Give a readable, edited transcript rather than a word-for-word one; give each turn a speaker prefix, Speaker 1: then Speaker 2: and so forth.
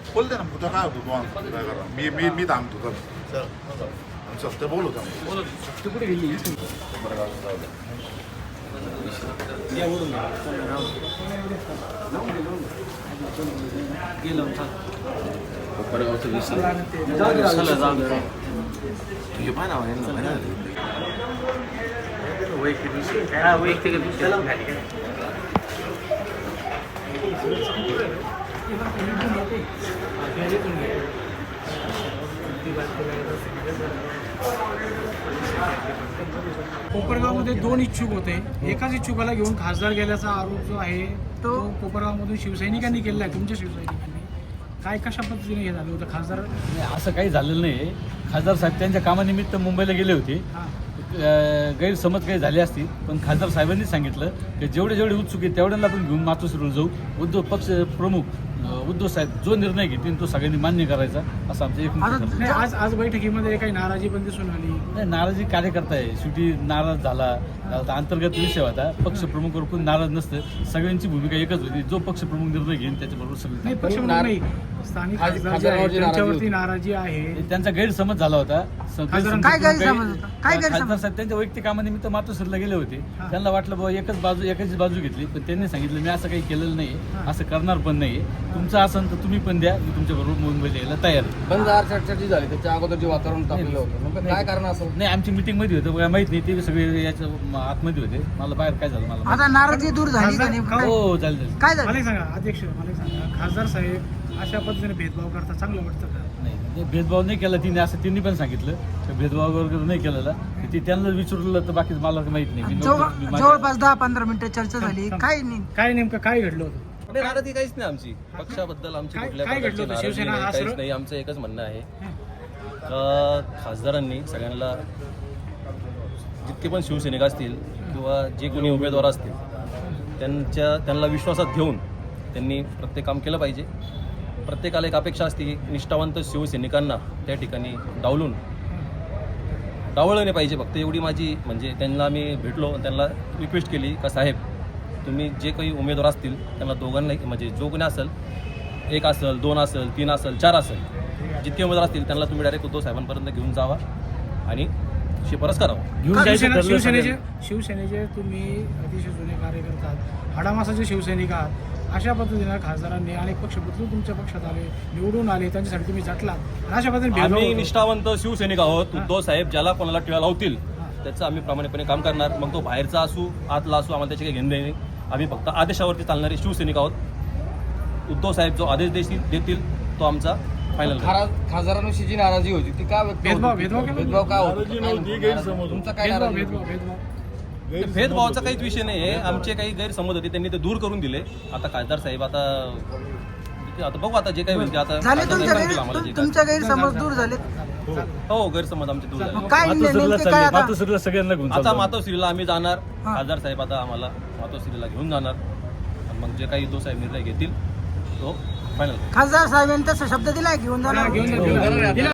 Speaker 1: बोलते ना तुझं काय होतं तू काय करा मी थांबतो चल ते बोलू
Speaker 2: तू कुठे गेली गेलो कोपरगावमध्ये 2 इच्छुक होते. एकाच इच्छुकाला घेऊन खासदार गेल्याचा आरोप जो आहे तो कोपरगावमधून शिवसैनिकांनी केलेला आहे. तुमच्या शिवसैनिकांनी काय कशा पद्धतीने हे झालं होतं खासदार?
Speaker 3: असं काही झालेलं नाही. खासदार साहेब त्यांच्या कामानिमित्त मुंबईला गेले होते. गैरसमज काही झाले असतील, पण खासदार साहेबांनी सांगितलं की जेवढे उत्सुक आहेत तेवढ्यांना आपण घेऊन मातोश्रीला जाऊ. उद्धव पक्ष प्रमुख उद्धव साहेब जो निर्णय घेतील तो सगळ्यांनी मान्य करायचा असं आमचं एक.
Speaker 2: आज बैठकीमध्ये काही नाराजी पण दिसून आली.
Speaker 3: नाही, नाराजी कार्यकर्ता आहे शेवटी. नाराज झाला अंतर्गत विषय होता. पक्ष प्रमुखवर कोण नाराज नसतं. सगळ्यांची भूमिका एकच होती. जो पक्ष प्रमुख निर्णय घेईल त्याच्याबरोबर सगळे.
Speaker 2: स्थानिक त्यांच्यावरती नाराजी आहे.
Speaker 3: त्यांचा गैरसमज झाला होता.
Speaker 4: काय गैरसमज होता?
Speaker 3: खासदार साहेब त्यांच्या वैयक्तिक कामानिमित्त मातोश्रीला गेले होते. त्यांना वाटलं बाबा एकाच बाजू घेतली, पण त्यांनी सांगितलं मी असं काही केलेलं नाही, असं करणार पण नाही. तुमचं असेल तर तुम्ही पण द्या, मी तुमच्या बरोबर मुंबईला यायला तयार आहे.
Speaker 5: पण चर्चा जी झाली त्याच्या अगोदर जे वातावरण तापलेलं होतं काय कारण असं?
Speaker 3: नाही, आमची मीटिंग मध्ये होतं, मला माहित नाही. ते सगळे याच्या आतमध्ये होते. मला बाहेर काय झालं मला
Speaker 4: आता नाराजी दूर झाली का नाही?
Speaker 3: हो झालं.
Speaker 4: काय झालं
Speaker 2: मला सांगा अध्यक्ष, मला सांगा खासदार साहेब अशा पद्धतीने भेदभाव करता चांगलं वाटतं का?
Speaker 3: नाही, भेदभाव नाही केला तिने, असं तिने पण सांगितलं. भेदभाव वगैरे नाही केलेला. ते त्यांना विचारलं तर बाकी मला माहित नाही.
Speaker 4: जवळपास 10-15 मिनिटं चर्चा झाली.
Speaker 2: काय नेमकं काय घडलं होतं?
Speaker 5: नाराजी काहीच नाही आमची पक्षाबद्दल. आमची कुठल्या प्रकारची नाराजी नाही, काहीच नाही. आमचं एकच म्हणणं आहे का खासदारांनी सगळ्यांना जितके पण शिवसैनिक असतील किंवा जे कोणी उमेदवार असतील त्यांना विश्वासात घेऊन त्यांनी प्रत्येक काम केलं पाहिजे. प्रत्येकाला एक अपेक्षा असते की निष्ठावंत शिवसैनिकांना त्या ठिकाणी डावळलं नाही पाहिजे. फक्त एवढी माझी म्हणजे त्यांना आम्ही भेटलो, त्यांना रिक्वेस्ट केली का साहेब तुम्ही जे काही उमेदवार असतील त्यांना दोघांना म्हणजे जो कोणी असेल, 1 असेल 2 असेल 3 असेल 4 असेल, जितके उमेदवार असतील त्यांना तुम्ही डायरेक्ट उद्धव साहेबांपर्यंत घेऊन जावा आणि शिफारस करावं.
Speaker 2: शिवसेनेचे तुम्ही अतिशय जुने कार्यकर्ते आहात, हाडामासाचे शिवसैनिक आहात. अशा पद्धतीनं खासदारांनी अनेक पक्ष बदलून तुमच्या पक्षात आले, निवडून आले, त्यांच्यासाठी तुम्ही झटलात. अशा पद्धतीने
Speaker 5: आम्ही निष्ठावंत शिवसैनिक आहोत. उद्धव साहेब ज्याला कोणाला टिळा लावतील त्याचं आम्ही प्रामाणिकपणे काम करणार. मग तो बाहेरचा असू आतला असू आम्हाला त्याचे काही घेणं नाही. आम्ही फक्त आदेशावरती चालणारे शिवसैनिक आहोत. उद्धव साहेब जो आदेश देतील तो आमचा फायनल.
Speaker 6: खासदारांविषयी जी नाराजी होती ती काय
Speaker 2: भेदभाव
Speaker 6: काय होतो? तुमचा काय नाराजी?
Speaker 5: भेदभावाचा काहीच विषय नाही आहे. आमचे काही गैरसमज होते त्यांनी ते दूर करून दिले. आता खासदार साहेब आता बघू आता जे काही होईल ते आता
Speaker 4: झाले. तुमच्या गैरसमज दूर झाले.
Speaker 5: हो गैरसमज आमचे दूर झाले.
Speaker 3: मातोश्रीला सगळ्यांना घेऊन
Speaker 5: आता मातोश्रीला आम्ही जाणार. खासदार साहेब आता आम्हाला मातोश्रीला घेऊन जाणार. मग जे काही उद्धव साहेब निर्णय घेतील तो फायनल.
Speaker 4: खासदार साहेबांनी तसा शब्द दिलाय घेऊन जाणार.